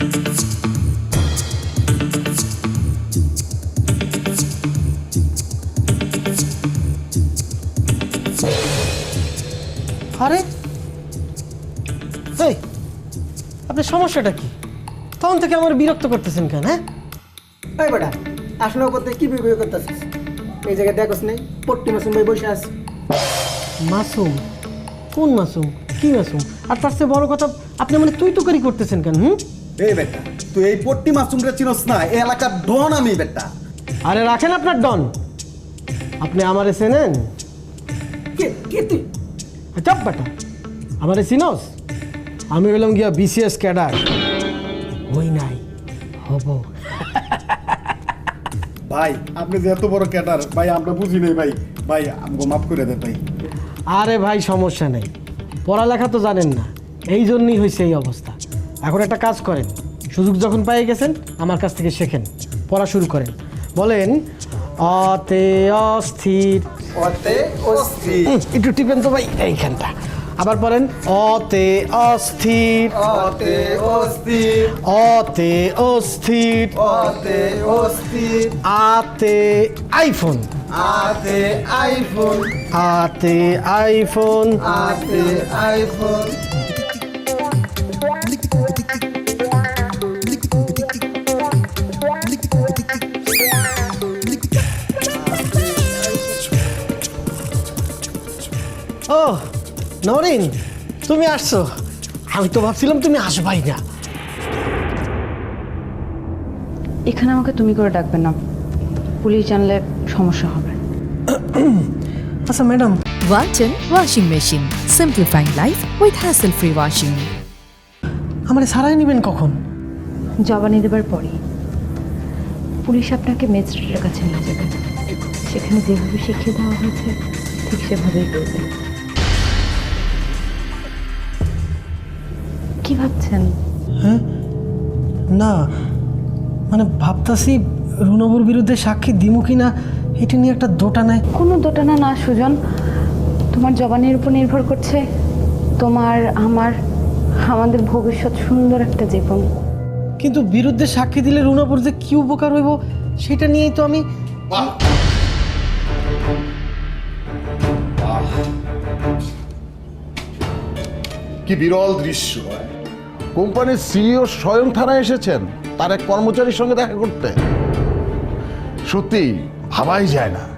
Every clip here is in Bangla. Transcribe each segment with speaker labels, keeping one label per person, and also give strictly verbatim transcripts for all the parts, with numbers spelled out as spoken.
Speaker 1: আরে এই আপনার সমস্যাটা কি? তখন থেকে আমার বিরক্ত করতেছেন কেন? হ্যাঁ
Speaker 2: এই বেটা আসলে করতে কি বিয়ে করতেছিস? এই জায়গায় দেখোস নেই পট্টি মাসুম ভাই বসে আছে।
Speaker 1: মাসুম? কোন মাসুম? কি মাসুম? আর তার চেয়ে বড় কথা আপনি মানে তুই তো করি করতেছেন কেন? হুম
Speaker 3: এই বেটা তুই এই পট্টি মাসুমটা চিনস না? এই এলাকার ডন আমি বেটা।
Speaker 1: আরে রাখেন আপনার ডন, আপনি আমারে চেনেন?
Speaker 2: কে কে তুই?
Speaker 1: চাপ বেটা, আমারে চিনস? আমি বললাম গিয়া বিসিএস ক্যাডার, হই নাই হব।
Speaker 3: ভাই আপনি যে এত বড় ক্যাডার ভাই আমরা বুঝি নাই ভাই। ভাই আমাকে মাফ করে দেন ভাই।
Speaker 1: আরে ভাই সমস্যা নেই, পড়ালেখা তো জানেন না, এই জন্যই হয়েছে এই অবস্থা। এখন একটা কাজ করেন, সুযোগ যখন পেয়ে গেছেন আমার কাছ থেকে শেখেন, পড়া শুরু করেন। বলেন অতে অস্থির,
Speaker 3: অতে অস্থির,
Speaker 1: হুম, একটু টিপেন তো ভাই এইখানটা। আবার বলেন অতে অস্থির,
Speaker 3: অতে অস্থির,
Speaker 1: অতে অস্থির,
Speaker 3: অতে অস্থির,
Speaker 1: আতে আইফোন,
Speaker 3: আতে আইফোন,
Speaker 1: আতে আইফোন,
Speaker 3: আতে আইফোন।
Speaker 1: ও নরিন, তুমি আসছো? আমি তো ভাবছিলাম তুমি আসবাই না।
Speaker 4: এখানে আমাকে তুমি করে ডাকবেন না, পুলিশ জানলে সমস্যা হবে।
Speaker 1: আচ্ছা madam,
Speaker 5: Walton Washing Machine. Simplifying life with hassle-free washing.
Speaker 1: আমার সারাই নেবেন কখন?
Speaker 4: জবানি দেবার পরে পুলিশ আপনাকে ম্যাজিস্ট্রেটের কাছে নিয়ে যাবে, সেখানে যেভাবে শিখিয়ে দেওয়া হয়েছে ঠিক সেভাবেই করবে। কি ভাবছেন?
Speaker 1: হ্যাঁ না মানে ভাবতাছি রুনবুর বিরুদ্ধে সাক্ষী দিমু কি না এটা নিয়ে একটা দোটা নাই।
Speaker 4: কোনো দোটানা না সুজন, তোমার জবানের উপর নির্ভর করছে তোমার আমার আমাদের ভবিষ্যৎ সুন্দর একটা জীবন।
Speaker 1: কিন্তু বিরুদ্ধে সাক্ষী দিলে রুনবুর যে কি উপকার হইব সেটা নিয়েই তো আমি।
Speaker 6: কি বিরল দৃশ্য! কোম্পানির সিইও স্বয়ং থানায় এসেছেন তার এক কর্মচারীর সঙ্গে দেখা করতে। সত্যি ভাবাই যায় না।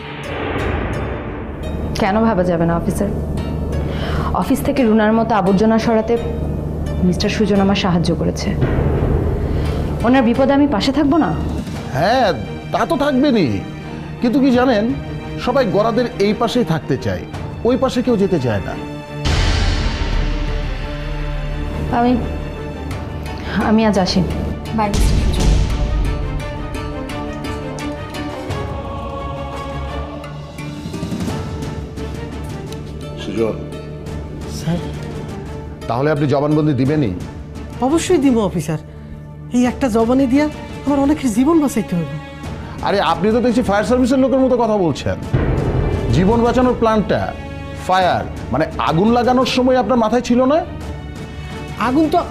Speaker 4: কেন ভাবা যাবে না অফিসার? অফিস থেকে রুনার মতো আবর্জনা সরাতে মিস্টার সুজন আমার সাহায্য করেছে, ওনার বিপদে আমি পাশে থাকবো না?
Speaker 6: হ্যাঁ তা তো থাকবেনই, কিন্তু কি জানেন, সবাই গরাদের এই পাশেই থাকতে চায়, ওই পাশে কেউ যেতে চায় না।
Speaker 4: আমি আমি আজ আসি। বাই।
Speaker 6: সুজন,
Speaker 1: স্যার
Speaker 6: তাহলে আপনি জবানবন্দি দিবেনই?
Speaker 1: অবশ্যই দিব অফিসার, এই একটা জবানি দিয়া আমার অনেকের জীবন বাঁচাইতে হবে।
Speaker 6: আরে আপনি তো দেখছি ফায়ার সার্ভিসের লোকের মতো কথা বলছেন। জীবন বাঁচানোর প্ল্যানটা ফায়ার মানে আগুন লাগানোর সময় আপনার মাথায় ছিল না?
Speaker 1: আগুন তো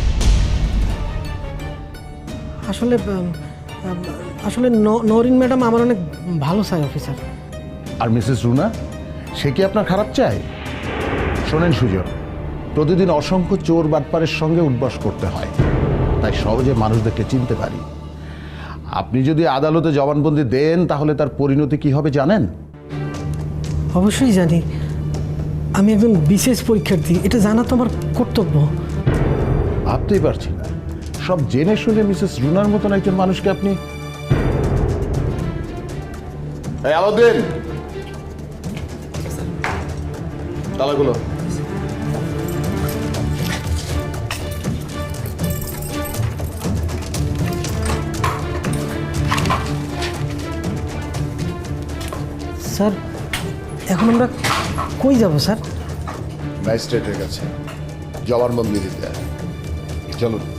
Speaker 1: আসলে আসলে নরিন ম্যাডাম আমার অনেক ভালো চাই অফিসার।
Speaker 6: আর মিসেস রুনা, সে কি আপনার খারাপ চায়? শোনেন সুজন, প্রতিদিন অসংখ্য চোর বাটপারের সঙ্গে উঠবাস করতে হয়, তাই সহজে মানুষদেরকে চিনতে পারি। আপনি যদি আদালতে জবানবন্দি দেন তাহলে তার পরিণতি কি হবে জানেন?
Speaker 1: অবশ্যই জানি, আমি একজন বিশেষ পরীক্ষার্থী, এটা জানা তো আমার কর্তব্য।
Speaker 6: ভাবতেই পারছি না, সব জেনে শুনে মিসেস রুনার মতন একজন মানুষকে আপনি। এই আলাউদ্দিন, তালাগুলো।
Speaker 1: স্যার এখন আমরা কই যাব স্যার?
Speaker 6: ম্যাজিস্ট্রেটের কাছে জবানবন্দি দিতে। চলুন।